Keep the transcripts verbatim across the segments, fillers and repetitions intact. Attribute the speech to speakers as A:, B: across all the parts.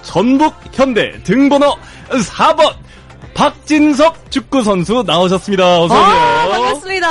A: 전북 현대 등번호 사 번 박진섭 축구선수 나오셨습니다. 어서오세요.
B: 아, 반갑습니다.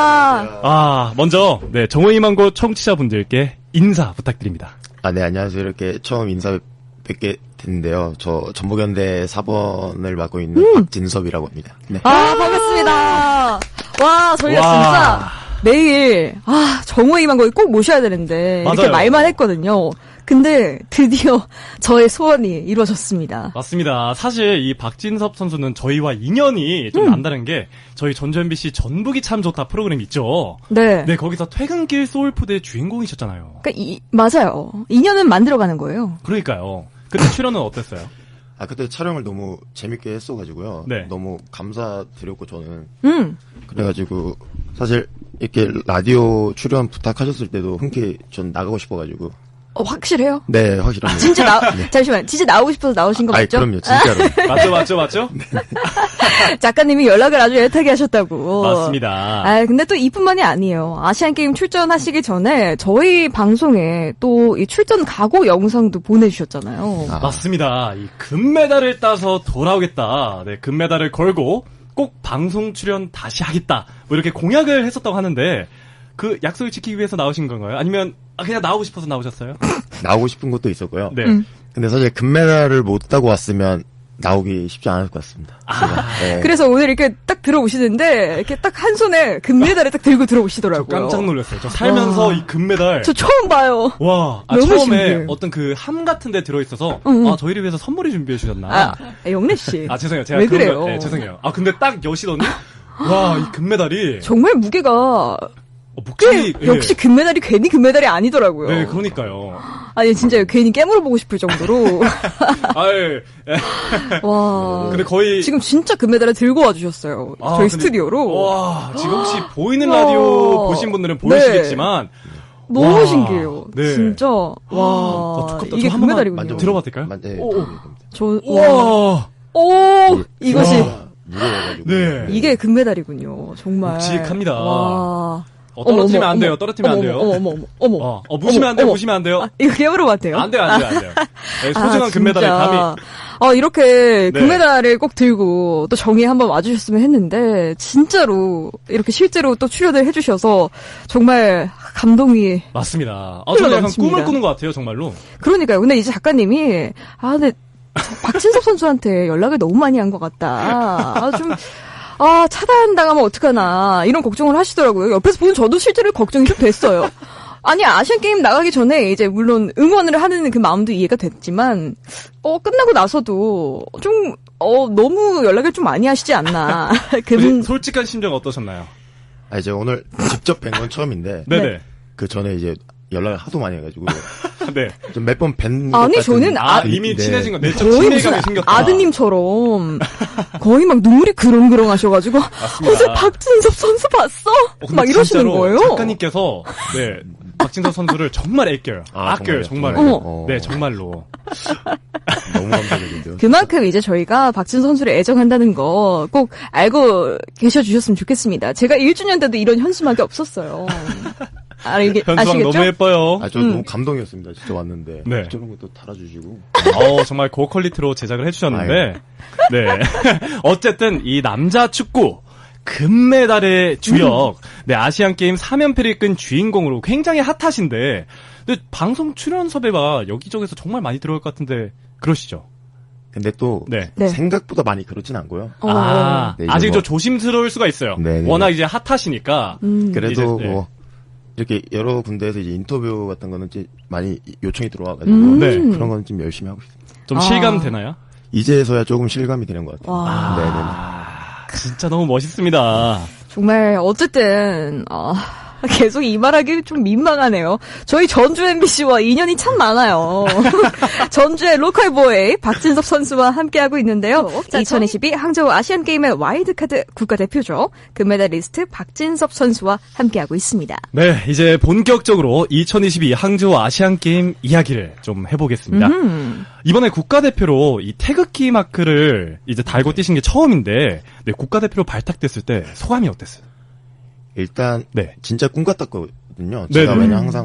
A: 아, 먼저, 네, 정호희망고 청취자분들께 인사 부탁드립니다.
C: 아, 네, 안녕하세요. 이렇게 처음 인사 뵙게 됐는데요. 저 전북현대 사 번을 맡고 있는 음. 박진섭이라고 합니다. 네.
B: 아, 반갑습니다. 와, 저희가 와. 진짜 매일, 아, 정호희망고 꼭 모셔야 되는데, 맞아요. 이렇게 말만 했거든요. 근데 드디어 저의 소원이 이루어졌습니다.
A: 맞습니다. 사실 이 박진섭 선수는 저희와 인연이 좀 음. 남다른 게 저희 전주 엠비씨 전북이 참 좋다 프로그램 있죠.
B: 네.
A: 네, 거기서 퇴근길 소울푸드의 주인공이셨잖아요.
B: 그러니까 이, 맞아요. 인연은 만들어가는 거예요.
A: 그러니까요. 그때 출연은 어땠어요?
C: 아, 그때 촬영을 너무 재밌게 했어가지고요.
A: 네.
C: 너무 감사드렸고 저는.
B: 음.
C: 그래가지고 사실 이렇게 라디오 출연 부탁하셨을 때도 흔쾌히 전 나가고 싶어가지고.
B: 어, 확실해요?
C: 네, 확실합니다.
B: 진짜 나, 네. 잠시만, 진짜 나오고 싶어서 나오신 거 맞죠?
C: 아이, 그럼요, 진짜로.
A: 맞죠, 맞죠, 맞죠?
C: 네.
B: 작가님이 연락을 아주 애타게 하셨다고.
A: 맞습니다.
B: 아, 근데 또 이뿐만이 아니에요. 아시안게임 출전하시기 전에 저희 방송에 또 이 출전 각오 영상도 보내주셨잖아요.
A: 아. 맞습니다. 이 금메달을 따서 돌아오겠다. 네, 금메달을 걸고 꼭 방송 출연 다시 하겠다. 뭐 이렇게 공약을 했었다고 하는데, 그 약속을 지키기 위해서 나오신 건가요? 아니면 그냥 나오고 싶어서 나오셨어요?
C: 나오고 싶은 것도 있었고요.
A: 네.
B: 음.
C: 근데 사실 금메달을 못 따고 왔으면 나오기 쉽지 않을 것 같습니다.
B: 아, 네. 그래서 오늘 이렇게 딱 들어오시는데 이렇게 딱 한 손에 금메달을 딱 들고 들어오시더라고요.
A: 저 깜짝 놀랐어요. 저 살면서 와. 이 금메달.
B: 저 처음 봐요.
A: 와, 아,
B: 너무
A: 처음에
B: 신기해요.
A: 어떤 그 함 같은 데 들어있어서
B: 응, 응.
A: 아, 저희를 위해서 선물을 준비해 주셨나.
B: 아, 영래 씨.
A: 아, 죄송해요. 제가
B: 왜 그래요?
A: 거, 네, 죄송해요. 아, 근데 딱 여시더니 와, 이 금메달이
B: 정말 무게가
A: 어, 목줄이
B: 꽤, 역시 예. 금메달이 괜히 금메달이 아니더라고요.
A: 네, 그러니까요.
B: 아니 진짜 괜히 깨물어 보고 싶을 정도로.
A: 아유.
B: 와.
A: 근데 거의
B: 지금 진짜 금메달을 들고 와주셨어요.
A: 아,
B: 저희
A: 근데,
B: 스튜디오로.
A: 와, 지금 혹시 보이는 라디오 보신 분들은 보이시겠지만.
B: 네. 너무
A: 와,
B: 신기해요.
A: 네.
B: 진짜. 와.
A: 아,
B: 이게 금메달이군요.
C: 만져,
A: 들어봐도 될까요?
C: 만져, 네,
A: 오.
B: 저,
A: 와.
B: 오, 이것이.
C: 무거워가지고.
A: 네.
B: 이게 금메달이군요. 정말.
A: 묵직합니다.
B: 와.
A: 어, 떨어뜨리면
B: 어머,
A: 안 돼요.
B: 어머,
A: 떨어뜨리면
B: 어머,
A: 안 돼요.
B: 어머, 어머, 어머.
A: 어, 어 무시면 안 돼요. 무시면 안 돼요.
B: 아, 이거 깨물으면 안 돼요?
A: 안 돼요, 안 돼요, 안 돼요. 네, 소중한
B: 아,
A: 금메달을 감히.
B: 어, 이렇게
A: 네.
B: 금메달을 꼭 들고 또 정의에 한번 와주셨으면 했는데, 진짜로 이렇게 실제로 또 출연을 해주셔서 정말 감동이.
A: 맞습니다. 아, 저는 약간 꿈을 꾸는 것 같아요, 정말로.
B: 그러니까요. 근데 이제 작가님이, 아, 근데 박진섭 선수한테 연락을 너무 많이 한 것 같다. 아, 좀. 아, 차단당하면 어떡하나, 이런 걱정을 하시더라고요. 옆에서 보는 저도 실제로 걱정이 좀 됐어요. 아니, 아시안게임 나가기 전에 이제 물론 응원을 하는 그 마음도 이해가 됐지만, 어, 끝나고 나서도 좀, 어, 너무 연락을 좀 많이 하시지 않나.
A: 그, 솔직한 심정 어떠셨나요?
C: 아, 이제 오늘 직접 뵌 건 처음인데.
A: 네네.
C: 그 전에 이제 연락을 하도 많이 해가지고.
A: 네.
C: 좀 몇 번 뵌.
B: 아니, 저는
A: 아,
B: 아,
A: 이미
C: 네.
A: 친해진 건 내적 친밀감이 생겼다.
B: 아드님처럼 거의 막 눈물이 그렁그렁 하셔가지고 어제 박진섭 선수 봤어?
A: 어,
B: 막 이러시는 거예요.
A: 작가님께서 네 박진섭 선수를 정말 아껴요.
C: 아,
A: 아껴요, 정말.
B: 어.
A: 네, 정말로.
C: 너무 감사드린데요.
B: 그만큼 이제 저희가 박진섭 선수를 애정한다는 거 꼭 알고 계셔주셨으면 좋겠습니다. 제가 일 주년 때도 이런 현수막이 없었어요. 아, 이게
A: 현수막
B: 아시겠죠?
A: 너무 예뻐요.
C: 아, 저
B: 음.
C: 너무 감동이었습니다. 진짜 왔는데.
A: 네.
C: 저런 것도 달아주시고.
A: 어, 정말 고퀄리티로 제작을 해주셨는데, 네. 어쨌든 이 남자 축구 금메달의 주역, 음. 네 아시안게임 삼 연패를 이끈 주인공으로 굉장히 핫하신데, 근데 방송 출연 섭외가 여기저기서 정말 많이 들어올 것 같은데 그러시죠?
C: 근데 또
A: 네.
C: 생각보다 많이 그렇진 않고요.
B: 어.
A: 아,
C: 네,
A: 아직
C: 뭐,
A: 좀 조심스러울 수가 있어요.
C: 네네.
A: 워낙 이제 핫하시니까.
B: 음.
C: 그래도
A: 이제,
C: 뭐
A: 네.
C: 이렇게 여러 군데에서 이제 인터뷰 같은 거는 이제 많이 요청이 들어와가지고
B: 음.
A: 네.
C: 그런 거는 좀 열심히 하고 있습니다.
A: 좀
B: 아.
A: 실감 되나요?
C: 이제서야 조금 실감이 되는 것 같아요.
B: 와.
C: 네네.
A: 아, 진짜 너무 멋있습니다.
B: 정말 어쨌든 어, 계속 이 말하기 좀 민망하네요. 저희 전주 엠비씨와 인연이 참 많아요. 전주의 로컬 보이 박진섭 선수와 함께하고 있는데요. 이천이십이 항저우 아시안게임의 와일드카드 국가대표죠. 금메달리스트 박진섭 선수와 함께하고 있습니다.
A: 네, 이제 본격적으로 이천이십이 항저우 아시안게임 이야기를 좀 해보겠습니다.
B: 음.
A: 이번에 국가대표로 이 태극기 마크를 이제 달고 뛰신 게 처음인데, 네, 국가대표로 발탁됐을 때 소감이 어땠어요?
C: 일단
A: 네.
C: 진짜 꿈 같았거든요.
A: 네네.
C: 제가 왜냐 항상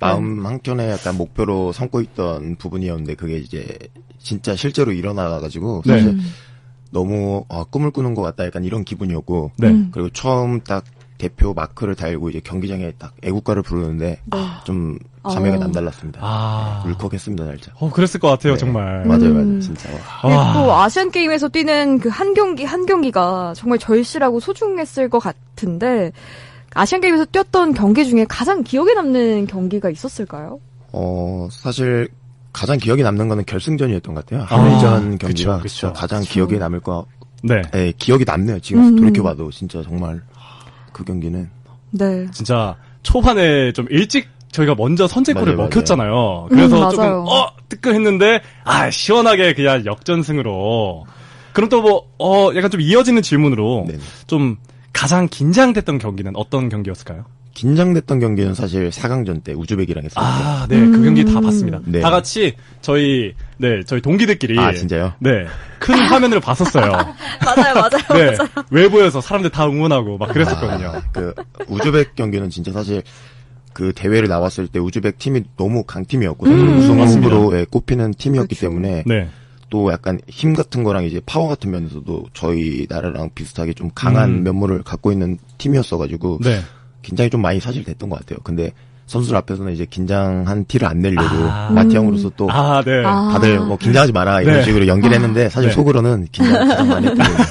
C: 마음 한켠에 약간 목표로 삼고 있던 부분이었는데 그게 이제 진짜 실제로 일어나가지고
A: 네.
C: 사실
B: 음.
C: 너무 아, 꿈을 꾸는 것 같다 약간 이런 기분이었고
A: 네.
B: 음.
C: 그리고 처음 딱 대표 마크를 달고 이제 경기장에 딱 애국가를 부르는데 좀 감회가
B: 어.
C: 남달랐습니다.
A: 아.
C: 울컥했습니다 날짜.
A: 어, 그랬을 것 같아요,
C: 네.
A: 정말.
C: 맞아요,
B: 음.
C: 맞아요, 진짜.
B: 그리고
A: 와.
B: 또 아시안 게임에서 뛰는 그 한 경기 한 경기가 정말 절실하고 소중했을 것 같은데 아시안 게임에서 뛰었던 경기 중에 가장 기억에 남는 경기가 있었을까요?
C: 어 사실 가장 기억에 남는 거는 결승전이었던 것 같아요.
A: 아,
C: 한일전
A: 그쵸,
C: 경기가
A: 그쵸.
C: 진짜 가장
B: 그쵸.
C: 기억에 남을 거.
A: 네.
C: 네, 기억이 남네요. 지금
B: 음.
C: 돌이켜봐도 진짜 정말 그 경기는
B: 네.
A: 진짜 초반에 좀 일찍 저희가 먼저 선제골을
C: 맞아요,
A: 먹혔잖아요.
B: 음,
A: 그래서
B: 맞아요.
A: 조금 어 뜨끔했는데 아 시원하게 그냥 역전승으로. 그럼 또 뭐 어 약간 좀 이어지는 질문으로
C: 네네.
A: 좀 가장 긴장됐던 경기는 어떤 경기였을까요?
C: 긴장됐던 경기는 사실 사 강전 때 우즈벡이랑 했어요.
A: 아, 네, 그 경기 다
B: 음.
A: 봤습니다.
C: 네.
A: 다 같이 저희 네 저희 동기들끼리
C: 아, 진짜요?
A: 네, 큰 화면으로 봤었어요.
B: 맞아요, 맞아요.
A: 네, 외부에서 사람들 다 응원하고 막 그랬었거든요.
C: 아, 그 우즈벡 경기는 진짜 사실 그 대회를 나왔을 때 우즈벡 팀이 너무 강팀이었고
B: 음.
C: 우승
A: 맞습니다.
C: 후보로 예, 꼽히는 팀이었기
B: 그쵸.
C: 때문에
A: 네,
C: 또 약간 힘 같은 거랑 이제 파워 같은 면에서도 저희 나라랑 비슷하게 좀 강한
A: 음.
C: 면모를 갖고 있는 팀이었어가지고
A: 네.
C: 긴장이 좀 많이 사실 됐던 것 같아요. 근데 선수들 앞에서는 이제 긴장한 티를 안 내려고
A: 아.
C: 마티 형으로서 또
A: 아, 네.
B: 아.
C: 다들 뭐 긴장하지 마라 이런
A: 네.
C: 식으로 연기를 했는데 사실
A: 네.
C: 속으로는 긴장 가장 많이 했던 거예요.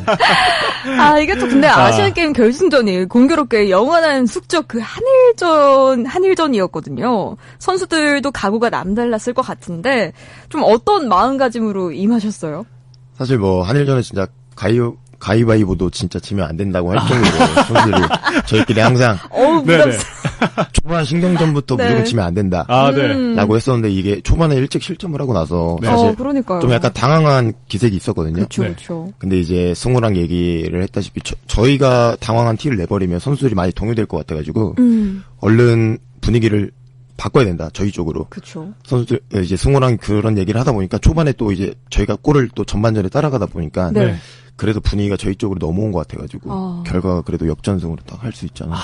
B: 아, 이게 또 근데
A: 아.
B: 아시안 게임 결승전이 공교롭게 영원한 숙적 그 한일전, 한일전이었거든요. 선수들도 각오가 남달랐을 것 같은데, 좀 어떤 마음가짐으로 임하셨어요?
C: 사실 뭐 한일전에 진짜 가위 가위바위보도 진짜 지면 안 된다고 할 정도로 선수들이 저희끼리 항상
B: 어우,
A: 네네.
B: 부담스러워.
C: 초반 신경전부터
B: 네.
C: 무조건 지면 안 된다.
A: 아, 네.
B: 음.
C: 라고 했었는데 이게 초반에 일찍 실점을 하고 나서
A: 네.
C: 사실
B: 어, 그러니까요.
C: 좀 약간 당황한 기색이 있었거든요.
B: 그쵸,
A: 네.
B: 그쵸.
C: 근데 이제 승우랑 얘기를 했다시피 저, 저희가 당황한 티를 내버리면 선수들이 많이 동요될 것 같아가지고
B: 음,
C: 얼른 분위기를 바꿔야 된다. 저희 쪽으로.
B: 그쵸.
C: 선수들 이제 승우랑 그런 얘기를 하다 보니까 초반에 또 이제 저희가 골을 또 전반전에 따라가다 보니까
B: 네.
A: 네.
C: 그래도 분위기가 저희 쪽으로 넘어온 것 같아가지고
B: 아.
C: 결과가 그래도 역전승으로 딱 할 수 있잖아.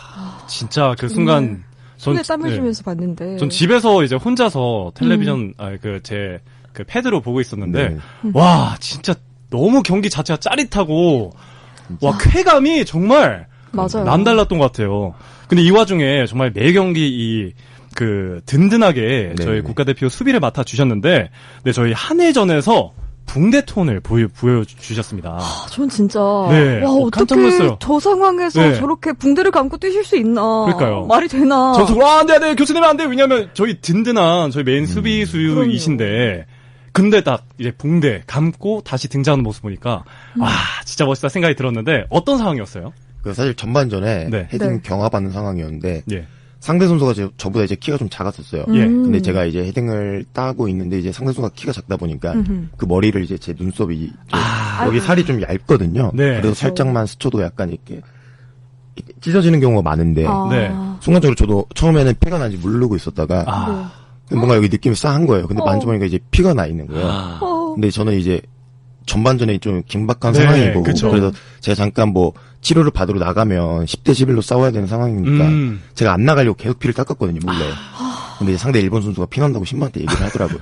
A: 진짜 그 순간
B: 손에
A: 전-
B: 땀을
A: 네.
B: 쥐면서 봤는데.
A: 전 집에서 이제 혼자서 텔레비전 아 그 제 그 패드로 보고 있었는데
C: 네.
A: 와 진짜 너무 경기 자체가 짜릿하고 와 쾌감이 정말
B: 맞아요.
A: 남달랐던 것 같아요. 근데 이 와중에 정말 매 경기 이 그 든든하게
C: 네.
A: 저희 국가대표 수비를 맡아 주셨는데 네 저희 한일전에서 붕대 톤을 보여 보여주셨습니다.
B: 아, 전 진짜.
A: 네.
B: 와,
A: 어, 깜짝
B: 어떻게
A: 놀랐어요.
B: 저 상황에서
A: 네.
B: 저렇게 붕대를 감고 뛰실 수 있나.
A: 그러니까요.
B: 말이 되나.
A: 전속 와 안돼 안돼 교수님은 안돼 왜냐면 저희 든든한 저희
C: 음.
A: 메인 수비수이신데 근데 딱 이제 붕대 감고 다시 등장하는 모습 보니까
B: 음.
A: 와 진짜 멋있다 생각이 들었는데 어떤 상황이었어요?
C: 그 사실 전반전에
A: 네.
C: 헤딩
B: 네.
C: 경합하는 상황이었는데
A: 예.
C: 상대 선수가 저, 저보다 이제 키가 좀 작았었어요.
A: 예.
B: 음.
C: 근데 제가 이제 헤딩을 따고 있는데 이제 상대 선수가 키가 작다 보니까
B: 음흠.
C: 그 머리를 이제 제 눈썹이 좀
A: 아.
C: 여기 살이 좀 얇거든요.
A: 네.
C: 그래서
B: 그렇죠.
C: 살짝만 스쳐도 약간 이렇게, 이렇게 찢어지는 경우가 많은데
B: 아.
A: 네.
C: 순간적으로 저도 처음에는 피가 난지 모르고 있었다가
A: 아.
C: 뭔가 여기 느낌이 싸한 거예요. 근데
B: 어.
C: 만져보니까 이제 피가 나 있는 거예요.
A: 아.
B: 어.
C: 근데 저는 이제 전반전에 좀 긴박한
A: 네,
C: 상황이고
A: 그쵸.
C: 그래서 제가 잠깐 뭐 치료를 받으러 나가면 십 대 십일로 싸워야 되는 상황이니까
A: 음.
C: 제가 안 나가려고 계속 피를 닦았거든요 몰래. 근데 이제 상대 일본 선수가 피 난다고 신부한테 얘기를 하더라고요.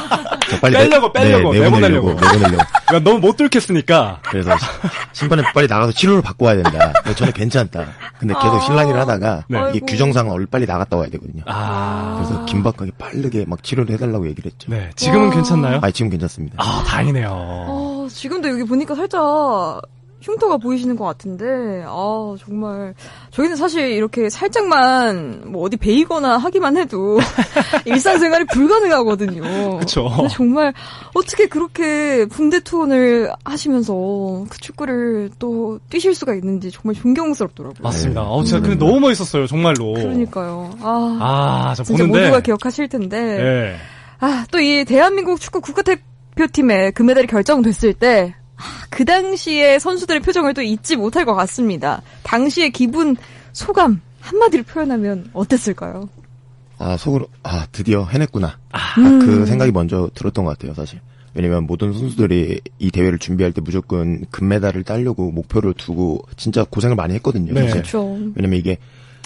C: 저 빨리
A: 빼려고, 빼려고,
C: 네, 내보내려고
A: 내보내려고.
C: 내보내려고.
A: 그러니까 너무 못 뚫겠으니까
C: 그래서 심판에 빨리 나가서 치료를 받고 와야 된다. 근데 저는 괜찮다. 근데 계속
B: 아.
C: 실랑이를 하다가
A: 네.
C: 이게
B: 아이고.
C: 규정상 얼른 빨리 나갔다 와야 되거든요.
A: 아.
C: 그래서 긴박하게 빠르게 막 치료를 해달라고 얘기를 했죠.
A: 네 지금은
B: 와.
A: 괜찮나요?
C: 아 지금 괜찮습니다.
A: 아 다행이네요.
B: 어, 지금도 여기 보니까 살짝 흉터가 보이시는 것 같은데, 아, 정말. 저희는 사실 이렇게 살짝만 뭐 어디 베이거나 하기만 해도 일상생활이 불가능하거든요.
A: 그쵸.
B: 근데 정말 어떻게 그렇게 붕대 투혼을 하시면서 그 축구를 또 뛰실 수가 있는지 정말 존경스럽더라고요.
A: 맞습니다.
C: 네.
A: 어 진짜 근데 너무 멋있었어요 정말로.
B: 그러니까요. 아,
A: 아저
B: 진짜
A: 보는데.
B: 모두가 기억하실 텐데.
A: 네.
B: 아, 또 이 대한민국 축구 국가대표팀의 금메달이 결정됐을 때, 아, 그 당시의 선수들의 표정을 또 잊지 못할 것 같습니다. 당시의 기분, 소감, 한마디로 표현하면 어땠을까요?
C: 아 속으로 아 드디어 해냈구나.
B: 음.
C: 그 생각이 먼저 들었던 것 같아요, 사실. 왜냐면 모든 선수들이 이 대회를 준비할 때 무조건 금메달을 따려고 목표를 두고 진짜 고생을 많이 했거든요.
A: 네.
C: 사실.
B: 그렇죠.
C: 왜냐면 이게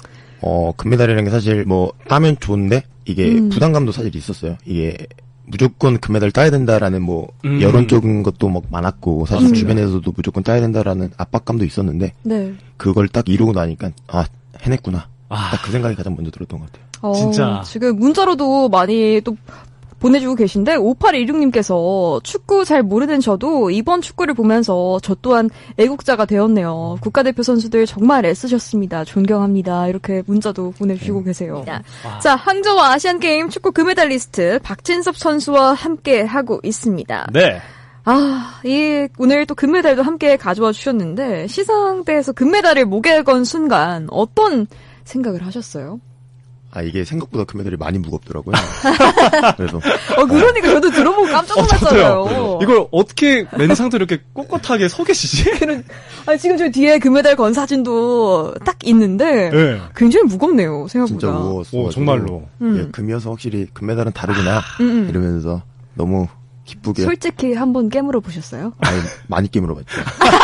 C: 어, 금메달이라는 게 사실 뭐 따면 좋은데 이게
B: 음.
C: 부담감도 사실 있었어요. 이게 무조건 금메달 따야 된다라는 뭐
A: 음.
C: 여론적인 것도 막 많았고 사실
B: 맞습니다.
C: 주변에서도 무조건 따야 된다라는 압박감도 있었는데
B: 네.
C: 그걸 딱 이루고 나니까 아 해냈구나.
A: 아.
C: 딱 그 생각이 가장 먼저 들었던 것 같아요.
B: 어,
A: 진짜.
B: 지금 문자로도 많이 또 보내주고 계신데 오팔일육님께서 축구 잘 모르는 저도 이번 축구를 보면서 저 또한 애국자가 되었네요. 국가대표 선수들 정말 애쓰셨습니다. 존경합니다. 이렇게 문자도 보내주시고 계세요.
A: 와.
B: 자, 항저우 아시안게임 축구 금메달리스트 박진섭 선수와 함께 하고 있습니다.
A: 네.
B: 아, 이 오늘 또 금메달도 함께 가져와 주셨는데 시상대에서 금메달을 목에 건 순간 어떤 생각을 하셨어요?
C: 아 이게 생각보다 금메달이 많이 무겁더라고요. 그래서
B: 어, 그러니까 저도 들어보고 깜짝 놀랐잖아요.
A: 저도요. 이걸 어떻게 맨 상태로 이렇게 꼿꼿하게 서 계시지?
B: 아, 지금 저 뒤에 금메달 건 사진도 딱 있는데
A: 네.
B: 굉장히 무겁네요. 생각보다.
C: 진짜 무거웠어.
A: 오, 정말로.
B: 음.
C: 예, 금이어서 확실히 금메달은 다르구나
B: 음, 음.
C: 이러면서 너무 기쁘게
B: 솔직히 한번 깨물어 보셨어요?
C: 아니, 많이 깨물어 봤죠.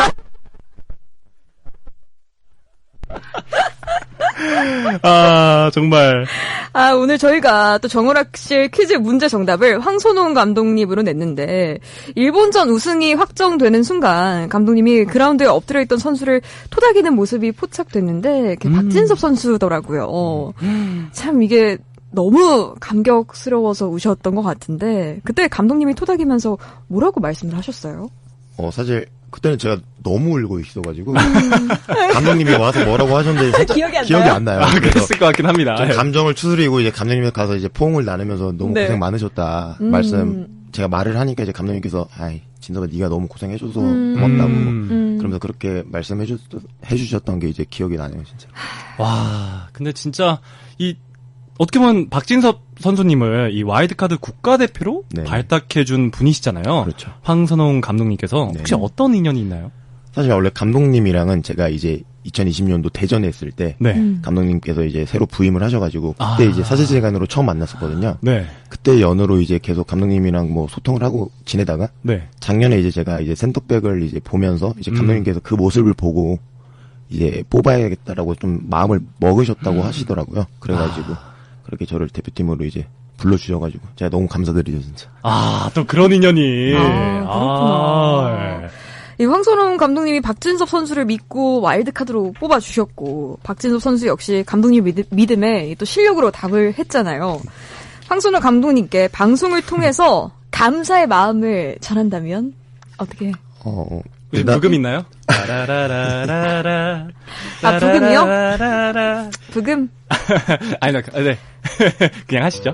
A: 아, 정말.
B: 아, 오늘 저희가 또 정오락실 퀴즈 문제 정답을 황선홍 감독님으로 냈는데, 일본전 우승이 확정되는 순간, 감독님이 그라운드에 엎드려 있던 선수를 토닥이는 모습이 포착됐는데, 그게
A: 음.
B: 박진섭 선수더라고요. 어. 참 이게 너무 감격스러워서 우셨던 것 같은데, 그때 감독님이 토닥이면서 뭐라고 말씀을 하셨어요?
C: 어, 사실, 그때는 제가 너무 울고 있어가지고, 감독님이 와서 뭐라고 하셨는데, 살짝
B: 기억이 안
C: 기억이
B: 나요?
C: 안 나요.
A: 아,
C: 그래서
A: 그랬을 것 같긴 합니다.
C: 좀 감정을 추스리고, 이제 감독님에 가서 이제 포옹을 나누면서 너무
B: 네.
C: 고생 많으셨다.
B: 음.
C: 말씀, 제가 말을 하니까 이제 감독님께서, 아이, 진섭아, 네가 너무 고생해줘서
B: 음.
C: 고맙다고.
A: 음.
B: 음.
C: 그러면서 그렇게 말씀해주, 해주셨던 게 이제 기억이 나네요, 진짜.
A: 와, 근데 진짜, 이, 어떻게 보면 박진섭 선수님을 이 와일드카드 국가대표로
C: 네.
A: 발탁해준 분이시잖아요.
C: 그렇죠.
A: 황선홍 감독님께서 혹시
C: 네.
A: 어떤 인연이 있나요?
C: 사실 원래 감독님이랑은 제가 이제 이천이십 년도 대전에 했을 때,
A: 네.
B: 음.
C: 감독님께서 이제 새로 부임을 하셔가지고, 그때
A: 아.
C: 이제 사제지간으로 처음 만났었거든요.
A: 네.
C: 그때 연으로 이제 계속 감독님이랑 뭐 소통을 하고 지내다가,
A: 네.
C: 작년에 이제 제가 이제 센터백을 이제 보면서 이제
A: 음.
C: 감독님께서 그 모습을 보고 이제 뽑아야겠다라고 좀 마음을 먹으셨다고 하시더라고요. 그래가지고 그렇게 저를 대표팀으로 이제 불러주셔가지고 제가 너무 감사드리죠 진짜.
A: 아, 또 그런 인연이.
B: 아, 그렇구나.
A: 아, 예.
B: 이 황선홍 감독님이 박진섭 선수를 믿고 와일드카드로 뽑아주셨고, 박진섭 선수 역시 감독님 믿, 믿음에 또 실력으로 답을 했잖아요. 황선홍 감독님께 방송을 통해서 감사의 마음을 전한다면 어떻게?
C: 어
A: 혹시
C: 일단
A: 부금 있나요? 라라라라라.
B: 아, 부금이요?
A: 라라라라라.
B: 부금?
A: 아니, 나, 아, 네. 그냥 하시죠.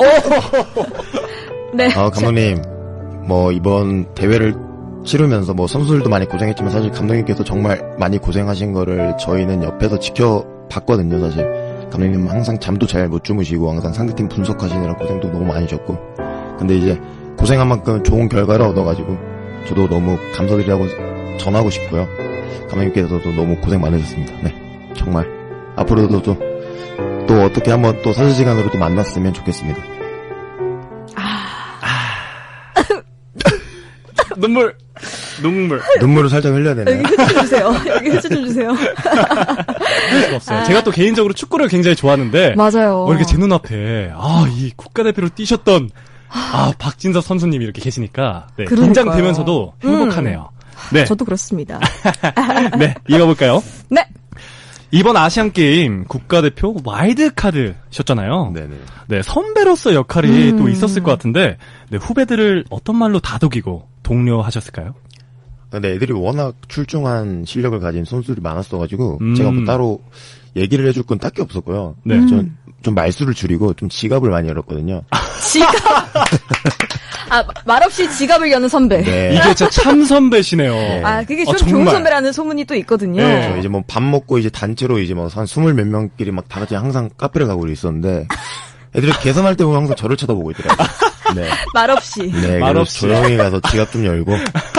B: 네.
C: 아, 감독님 뭐 이번 대회를 치르면서 뭐 선수들도 많이 고생했지만 사실 감독님께서 정말 많이 고생하신 거를 저희는 옆에서 지켜봤거든요. 사실 감독님 항상 잠도 잘 못 주무시고 항상 상대팀 분석하시느라 고생도 너무 많이 하셨고, 근데 이제 고생한 만큼 좋은 결과를 얻어가지고 저도 너무 감사드리라고 전하고 싶고요. 감독님께서도 너무 고생 많으셨습니다. 네, 정말 앞으로도 또, 또 어떻게 한번 또 사제시간으로 또 만났으면 좋겠습니다.
A: 눈물. 눈물.
C: 눈물을 살짝 흘려야 되나요?
B: 여기 흐쳐 주세요. 여기 흐쳐 좀 주세요.
A: 할 수가 없어요. 제가 또 개인적으로 축구를 굉장히 좋아하는데.
B: 맞아요.
A: 어, 이렇게 제 눈앞에, 아, 이 국가대표로 뛰셨던, 아, 박진섭 선수님이 이렇게 계시니까, 네,
B: 그러니까요.
A: 긴장되면서도 행복하네요. 네.
B: 저도 그렇습니다.
A: 네, 이어볼까요?
B: 네.
A: 이번 아시안게임 국가대표 와일드카드셨잖아요.
C: 네네.
A: 네, 선배로서 역할이
B: 음.
A: 또 있었을 것 같은데, 네, 후배들을 어떤 말로 다독이고 독려하셨을까요?
C: 근데 애들이 워낙 출중한 실력을 가진 선수들이 많았어가지고
A: 음.
C: 제가 뭐 따로 얘기를 해줄 건 딱히 없었고요.
A: 네.
B: 음.
C: 전, 좀 말수를 줄이고 좀 지갑을 많이 열었거든요.
B: 지갑. 아, 말없이 지갑을 여는 선배.
C: 네.
A: 이게 진짜 참 선배시네요.
B: 아, 그게
A: 아,
B: 좀 좋은
A: 정말.
B: 선배라는 소문이 또 있거든요.
A: 네.
C: 저 이제 뭐 밥 먹고 이제 단체로 이제 뭐 한 스물 몇 명끼리 막 다 같이 항상 카페를 가고 있었는데 애들이 계산할 때 보면 항상 저를 쳐다보고 있더라고요. 네.
B: 말없이.
C: 네.
A: 말없이.
C: 그래서 조용히 가서 지갑 좀 열고.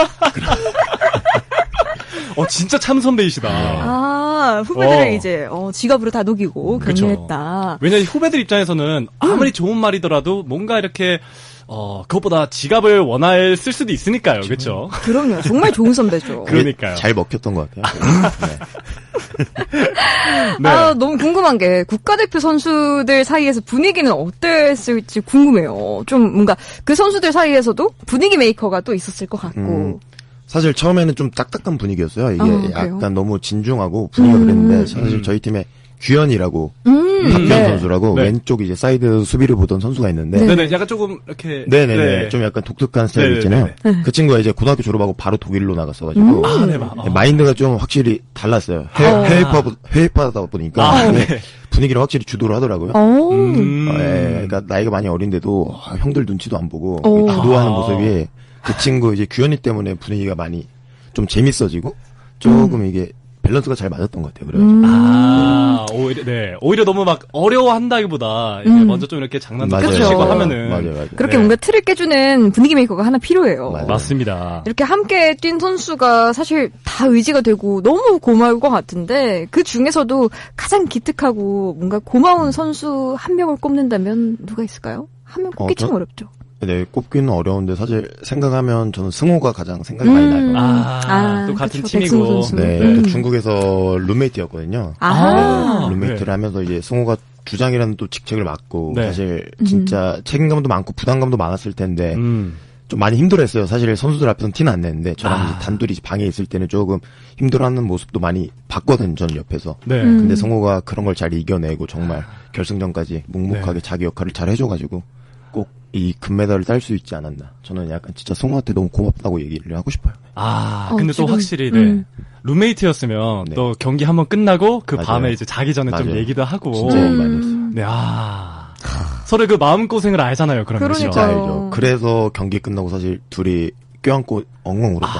A: 어, 진짜 참 선배이시다.
B: 아, 후배들을
A: 어.
B: 이제 어, 지갑으로 다독이고
A: 그쵸.
B: 격려했다.
A: 왜냐면 후배들 입장에서는 아무리 좋은 말이더라도 뭔가 이렇게 어 그것보다 지갑을 원할 쓸 수도 있으니까요, 그렇죠?
B: 그럼요. 정말 좋은 선배죠.
A: 그러니까요.
C: 잘 먹혔던 것 같아요. 네.
A: 네.
B: 아, 너무 궁금한 게 국가대표 선수들 사이에서 분위기는 어땠을지 궁금해요. 좀 뭔가 그 선수들 사이에서도 분위기 메이커가 또 있었을 것 같고.
C: 음, 사실 처음에는 좀 딱딱한 분위기였어요. 이게
B: 어,
C: 약간
B: 그래요?
C: 너무 진중하고 분위기가
B: 음.
C: 그랬는데 사실 저희 팀에 규현이라고
B: 음,
C: 박규현
B: 네.
C: 선수라고
A: 네.
C: 왼쪽 이제 사이드 수비를 보던 선수가 있는데
B: 네.
A: 네네, 약간 조금 이렇게.
C: 네네네
A: 네.
C: 좀 약간 독특한 스타일
A: 네네네.
C: 있잖아요.
B: 네.
C: 그 친구가 이제 고등학교 졸업하고 바로 독일로 나갔어가지고
B: 음.
A: 아, 네, 마, 어.
C: 마인드가 좀 확실히 달랐어요. 해외,
B: 어.
C: 해외파, 해외파다 보니까
A: 아,
C: 네.
A: 네.
C: 분위기를 확실히 주도를 하더라고요.
B: 어.
A: 음.
C: 어, 예, 그러니까 나이가 많이 어린데도 아, 형들 눈치도 안 보고
B: 오.
C: 주도하는
A: 아.
C: 모습이 그 친구 이제 규현이 때문에 분위기가 많이 좀 재밌어지고 조금
B: 음.
C: 이게 밸런스가 잘 맞았던 것 같아요. 그래가지고
B: 음.
A: 아, 오히려, 네. 오히려 너무 막 어려워한다기보다, 이제
B: 음.
A: 먼저 좀 이렇게 장난도
C: 맞아요.
A: 치고
B: 그쵸.
A: 하면은.
C: 맞아요, 맞아요.
B: 그렇게
A: 네.
B: 뭔가 틀을 깨주는 분위기 메이커가 하나 필요해요.
C: 맞아요.
A: 맞습니다.
B: 이렇게 함께 뛴 선수가 사실 다 의지가 되고 너무 고마울 것 같은데 그 중에서도 가장 기특하고 뭔가 고마운 선수 한 명을 꼽는다면 누가 있을까요? 한 명 꼽기
C: 어, 저-
B: 참 어렵죠.
C: 네, 꼽기는 어려운데 사실 생각하면 저는 승호가 가장 생각이 많이 나요.
A: 아,
B: 아,
A: 또 같은
B: 그쵸, 백승호
A: 팀이고.
B: 선수.
C: 네,
B: 음.
C: 또 중국에서 룸메이트였거든요.
B: 아,
A: 아.
C: 룸메이트를
A: 네.
C: 하면서 이제 승호가 주장이라는 또 직책을 맡고
A: 네.
C: 사실 진짜 책임감도 많고 부담감도 많았을 텐데
A: 음.
C: 좀 많이 힘들어했어요. 사실 선수들 앞에서는 티는 안 냈는데 저랑
A: 아.
C: 이제 단둘이 방에 있을 때는 조금 힘들어하는 모습도 많이 봤거든요. 저는 옆에서.
A: 네.
B: 음.
C: 근데 성호가 그런 걸 잘 이겨내고 정말 결승전까지 묵묵하게
A: 네.
C: 자기 역할을 잘 해줘가지고 꼭 이 금메달을 딸 수 있지 않았나. 저는 약간 진짜 성호한테 너무 고맙다고 얘기를 하고 싶어요.
A: 아,
B: 어,
A: 근데 또
B: 지금,
A: 확실히, 네.
B: 음.
A: 룸메이트였으면
C: 네.
A: 또 경기 한번 끝나고 그
C: 맞아요.
A: 밤에 이제 자기 전에 좀
C: 맞아요.
A: 얘기도 하고.
C: 진짜 얘기 많이 했어요.
B: 음.
A: 네, 아. 서로 그 마음고생을 알잖아요, 그러면.
B: 그러니까요.
A: 그죠?
C: 알죠. 그래서 경기 끝나고 사실 둘이 껴안고 엉엉 울었다.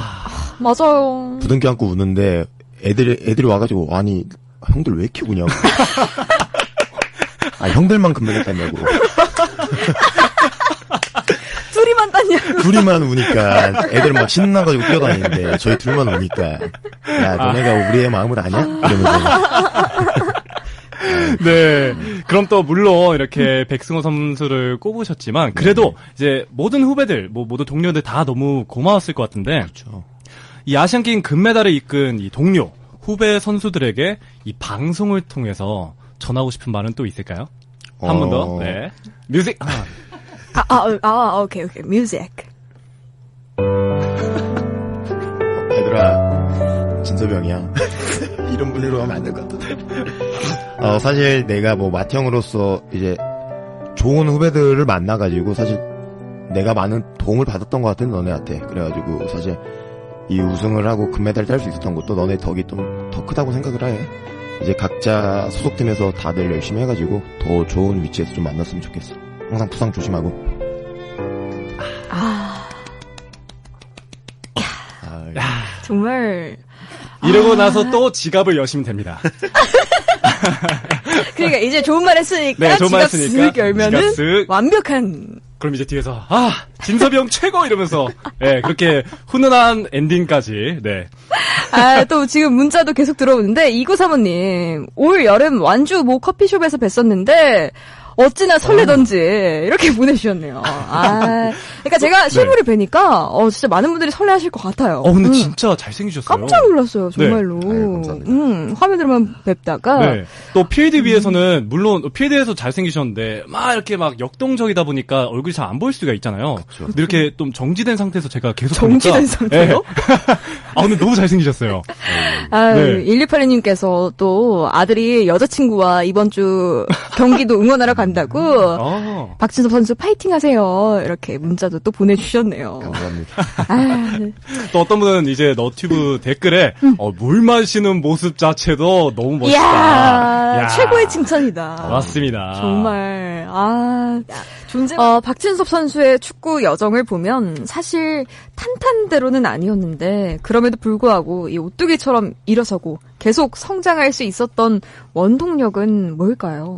B: 맞아요.
C: 부둥 껴안고 우는데 애들이 애들이 와가지고 아니 형들 왜 이렇게 우냐고. 아 형들만 금메달 땄냐고.
B: 둘이만 땄냐?
C: 둘이만 우니까 애들 막 신나가지고 뛰어다니는데 저희 둘만 우니까 야 너네가 우리의 마음을 아냐? 이러면서
A: 네. 그럼 또 물론 이렇게 백승호 선수를 꼽으셨지만 그래도
C: 네.
A: 이제 모든 후배들, 뭐 모든 동료들 다 너무 고마웠을 것 같은데
C: 그렇죠.
A: 이 아시안 게임 금메달을 이끈 이 동료, 후배 선수들에게 이 방송을 통해서 전하고 싶은 말은 또 있을까요? 한 번 더.
C: 어.
A: 네. 뮤직. 아,
B: 아, 아, 아, 오케이, 오케이. 뮤직.
C: 얘들아 진섭이 형이야. 이런 분위로 하면 안 될 것 같은데. 어 사실 내가 뭐 맏형으로서 이제 좋은 후배들을 만나가지고 사실 내가 많은 도움을 받았던 것 같은 너네한테. 그래가지고 사실 이 우승을 하고 금메달 딸 수 있었던 것도 너네 덕이 좀 더 크다고 생각을 해. 이제 각자 소속팀에서 다들 열심히 해가지고 더 좋은 위치에서 좀 만났으면 좋겠어. 항상 부상 조심하고.
B: 아,
C: 아,
B: 정말.
A: 이러고
B: 아.
A: 나서 또 지갑을 여시면 됩니다.
B: 그러니까 이제 좋은 말 했으니까
A: 네, 좋은 말
B: 지갑
A: 했으니까
B: 쓱 열면은
A: 지갑 쓱.
B: 완벽한.
A: 그럼 이제 뒤에서 아 진섭이 형 최고 이러면서 네, 그렇게 훈훈한 엔딩까지 네.
B: 아, 또 지금 문자도 계속 들어오는데 이구삼오님 올 여름 완주 모 커피숍에서 뵀었는데 어찌나 설레던지 이렇게 보내주셨네요. 아, 그러니까 제가 실물을 뵈니까 어 진짜 많은 분들이 설레하실 것 같아요.
A: 어 근데
B: 음.
A: 진짜 잘생기셨어요.
B: 깜짝 놀랐어요, 정말로.
C: 네. 아유, 감사합니다.
B: 음, 화면으로만 뵙다가
A: 네. 또 필드비에서는 물론 필드에서 잘생기셨는데 막 이렇게 막 역동적이다 보니까 얼굴이 잘 안 보일 수가 있잖아요.
C: 그쵸.
A: 근데 이렇게 좀 정지된 상태에서 제가 계속
B: 정지된
A: 보니까,
B: 상태요?
A: 네. 아 근데 너무 잘생기셨어요.
B: 아,
A: 네.
B: 일이팔이님께서 또 아들이 여자친구와 이번 주 경기도 응원하러 간다고
A: 아.
B: 박진섭 선수 파이팅 하세요. 이렇게 문자도 또 보내주셨네요.
C: 감사합니다.
B: 아, 네.
A: 또 어떤 분은 이제 너튜브 댓글에 어, 물 마시는 모습 자체도 너무 멋있다.
B: 이야,
A: 야.
B: 최고의 칭찬이다.
A: 맞습니다.
B: 정말, 아, 존재, 어, 박진섭 선수의 축구 여정을 보면 사실 탄탄대로는 아니었는데, 그럼에도 불구하고 이 오뚜기처럼 일어서고 계속 성장할 수 있었던 원동력은 뭘까요?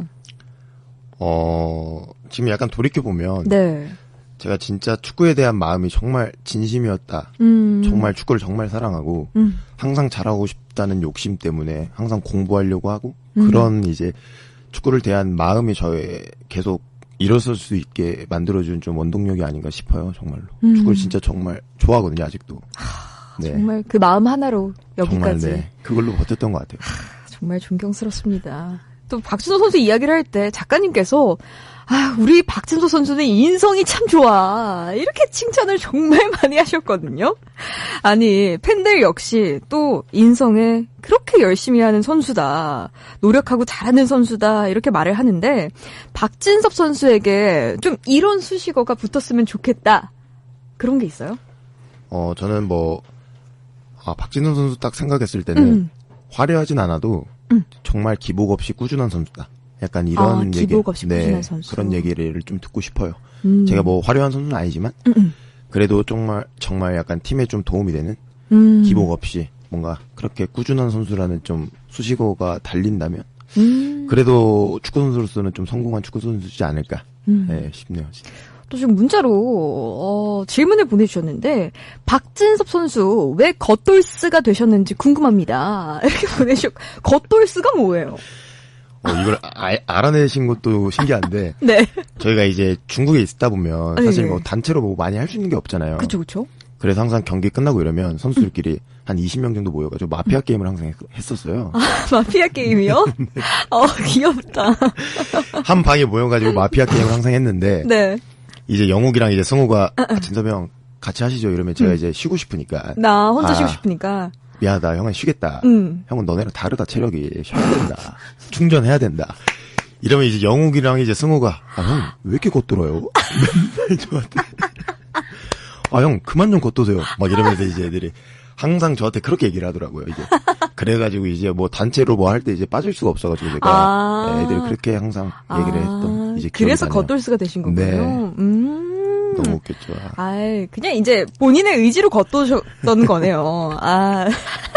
C: 어, 지금 약간 돌이켜보면,
B: 네.
C: 제가 진짜 축구에 대한 마음이 정말 진심이었다.
B: 음.
C: 정말 축구를 정말 사랑하고,
B: 음.
C: 항상 잘하고 싶다는 욕심 때문에 항상 공부하려고 하고,
B: 음.
C: 그런 이제 축구를 대한 마음이 저의 계속 일어설 수 있게 만들어준 좀 원동력이 아닌가 싶어요, 정말로.
B: 음.
C: 축구를 진짜 정말 좋아하거든요, 아직도. 네.
B: 정말 그 마음 하나로 여기까지.
C: 정말, 네. 그걸로 버텼던 것 같아요.
B: 정말 존경스럽습니다. 또 박진서 선수 이야기를 할 때 작가님께서 아, 우리 박진서 선수는 인성이 참 좋아. 이렇게 칭찬을 정말 많이 하셨거든요. 아니, 팬들 역시 또 인성에 그렇게 열심히 하는 선수다. 노력하고 잘하는 선수다. 이렇게 말을 하는데 박진섭 선수에게 좀 이런 수식어가 붙었으면 좋겠다. 그런 게 있어요?
C: 어, 저는 뭐, 아, 박진섭 선수 딱 생각했을 때는
B: 음.
C: 화려하진 않아도
B: 음.
C: 정말 기복 없이 꾸준한 선수다. 약간 이런
B: 아,
C: 얘기,
B: 기복 없이
C: 네,
B: 꾸준한 선수.
C: 그런 얘기를 좀 듣고 싶어요.
B: 음.
C: 제가 뭐 화려한 선수는 아니지만
B: 음, 음.
C: 그래도 정말 정말 약간 팀에 좀 도움이 되는
B: 음.
C: 기복 없이 뭔가 그렇게 꾸준한 선수라는 좀 수식어가 달린다면
B: 음.
C: 그래도 축구 선수로서는 좀 성공한 축구 선수지 않을까
B: 음.
C: 네, 싶네요. 진짜.
B: 또 지금 문자로 어, 질문을 보내주셨는데 박진섭 선수 왜 겉돌스가 되셨는지 궁금합니다. 이렇게 보내주셨. 겉돌스가 뭐예요?
C: 어, 이걸 아, 알아내신 것도 신기한데
B: 네.
C: 저희가 이제 중국에 있다 보면 사실
B: 네.
C: 뭐 단체로 뭐 많이 할 수 있는 게 없잖아요.
B: 그쵸 그쵸.
C: 그래서 항상 경기 끝나고 이러면 선수들끼리 음. 한 이십 명 정도 모여가지고 마피아 음. 게임을 항상 했었어요.
B: 아, 마피아 게임이요? 네. 어, 귀엽다.
C: 한 방에 모여가지고 마피아 게임을 항상 했는데
B: 네.
C: 이제 영욱이랑 이제 승우가 아, 진섭이 형 같이 하시죠 이러면 제가 음. 이제 쉬고 싶으니까
B: 나 혼자
C: 아,
B: 쉬고 싶으니까
C: 미안하다 형은 쉬겠다.
B: 음.
C: 형은 너네랑 다르다 체력이 쉬어야 된다. 충전해야 된다. 이러면 이제 영욱이랑 이제 승우가 아, 형 왜 이렇게 겉돌아요? 맨날 저한테 아, 형 그만 좀 겉도세요. 막 이러면서 이제 애들이 항상 저한테 그렇게 얘기를 하더라고요. 이제 그래가지고 이제 뭐 단체로 뭐 할 때 이제 빠질 수가 없어가지고 제가
B: 아.
C: 네, 애들이 그렇게 항상 얘기를 했던 이제
B: 그래서 겉돌스가 되신 거군요.
C: 네.
B: 음.
C: 너무 웃겼죠.
B: 아이, 그냥 이제 본인의 의지로 겉도셨던 거네요. 아.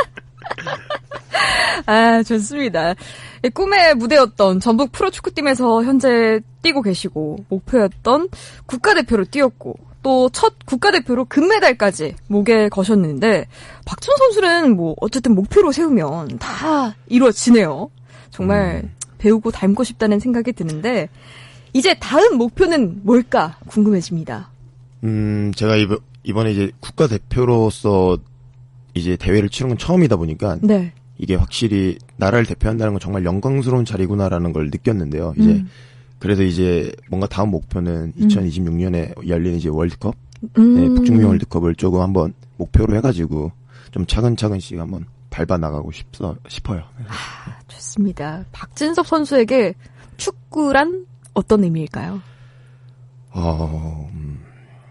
B: 아, 좋습니다. 꿈의 무대였던 전북 프로축구팀에서 현재 뛰고 계시고, 목표였던 국가대표로 뛰었고, 또 첫 국가대표로 금메달까지 목에 거셨는데, 박준 선수는 뭐, 어쨌든 목표로 세우면 다 이루어지네요. 정말 음. 배우고 닮고 싶다는 생각이 드는데, 이제 다음 목표는 뭘까 궁금해집니다.
C: 음, 제가 이번, 이번에 이제 국가대표로서 이제 대회를 치른 건 처음이다 보니까, 네. 이게 확실히 나라를 대표한다는 건 정말 영광스러운 자리구나라는 걸 느꼈는데요. 이제 음. 그래서 이제 뭔가 다음 목표는 음. 이천이십육 년에 열리는 이제 월드컵, 음. 네, 북중미 월드컵을 조금 한번 목표로 해가지고 좀 차근차근씩 한번 밟아 나가고 싶어 싶어요.
B: 아, 좋습니다. 박진섭 선수에게 축구란 어떤 의미일까요?
C: 어, 음,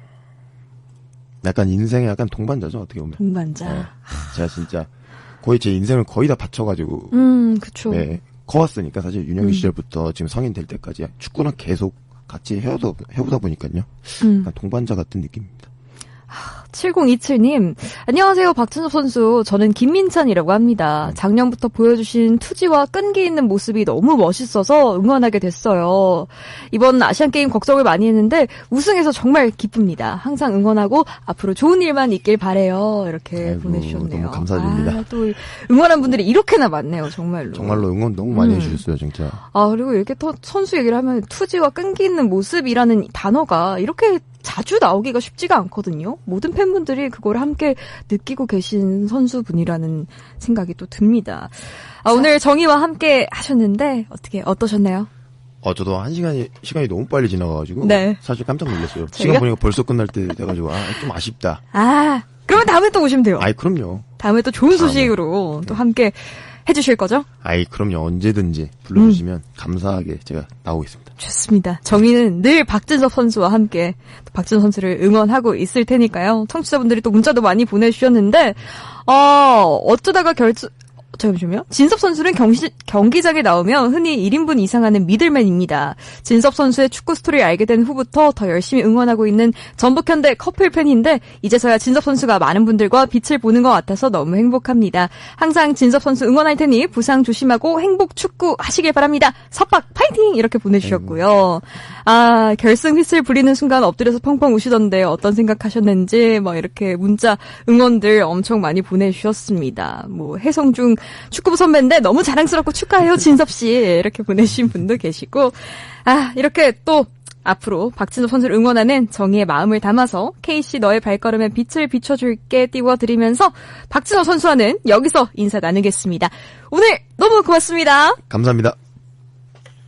C: 약간 인생의 약간 동반자죠 어떻게 보면.
B: 동반자.
C: 네, 제가 진짜. 거의 제 인생을 거의 다 바쳐가지고.
B: 음, 그쵸.
C: 네. 커왔으니까 사실 윤영이
B: 음.
C: 시절부터 지금 성인 될 때까지 축구랑 계속 같이 해오다, 해오다 보니까요.
B: 음.
C: 동반자 같은 느낌입니다.
B: 칠공이칠 님, 안녕하세요, 박진섭 선수. 저는 김민찬이라고 합니다. 작년부터 보여주신 투지와 끈기 있는 모습이 너무 멋있어서 응원하게 됐어요. 이번 아시안게임 걱정을 많이 했는데 우승해서 정말 기쁩니다. 항상 응원하고 앞으로 좋은 일만 있길 바래요. 이렇게
C: 아이고,
B: 보내주셨네요.
C: 너무 감사드립니다.
B: 아, 또 응원한 분들이 이렇게나 많네요, 정말로.
C: 정말로 응원 너무 많이
B: 음.
C: 해주셨어요, 진짜.
B: 아, 그리고 이렇게 또 선수 얘기를 하면 투지와 끈기 있는 모습이라는 단어가 이렇게 자주 나오기가 쉽지가 않거든요. 모든 팬분들이 그걸 함께 느끼고 계신 선수분이라는 생각이 또 듭니다. 아, 오늘 정희와 함께 하셨는데 어떻게 어떠셨나요?
C: 어, 저도 한 시간이 시간이 너무 빨리 지나가가지고
B: 네.
C: 사실 깜짝 놀랐어요.
B: 저희가?
C: 시간 보니까 벌써 끝날 때 돼가지고 아, 좀 아쉽다.
B: 아, 그러면 다음에 또 오시면 돼요.
C: 아이 그럼요.
B: 다음에 또 좋은 소식으로 네. 또 함께 해주실 거죠?
C: 아이 그럼요. 언제든지 불러주시면 음. 감사하게 제가 나오겠습니다.
B: 좋습니다. 정희는 늘 박진섭 선수와 함께 또 박진섭 선수를 응원하고 있을 테니까요. 청취자분들이 또 문자도 많이 보내주셨는데 어, 어쩌다가 결정 잠시만요. 진섭 선수는 경시, 경기장에 나오면 흔히 일 인분 이상 하는 미들맨입니다. 진섭 선수의 축구 스토리를 알게 된 후부터 더 열심히 응원하고 있는 전북현대 커플 팬인데 이제서야 진섭 선수가 많은 분들과 빛을 보는 것 같아서 너무 행복합니다. 항상 진섭 선수 응원할 테니 부상 조심하고 행복 축구 하시길 바랍니다. 석박 파이팅! 이렇게 보내주셨고요. 아, 결승 휘슬 부리는 순간 엎드려서 펑펑 우시던데 어떤 생각하셨는지 뭐 이렇게 문자 응원들 엄청 많이 보내주셨습니다. 뭐 해성중 축구부 선배인데 너무 자랑스럽고 축하해요 진섭씨 이렇게 보내주신 분도 계시고 아 이렇게 또 앞으로 박진호 선수를 응원하는 정의의 마음을 담아서 케이씨 너의 발걸음에 빛을 비춰줄게 띄워드리면서 박진호 선수와는 여기서 인사 나누겠습니다. 오늘 너무 고맙습니다.
C: 감사합니다.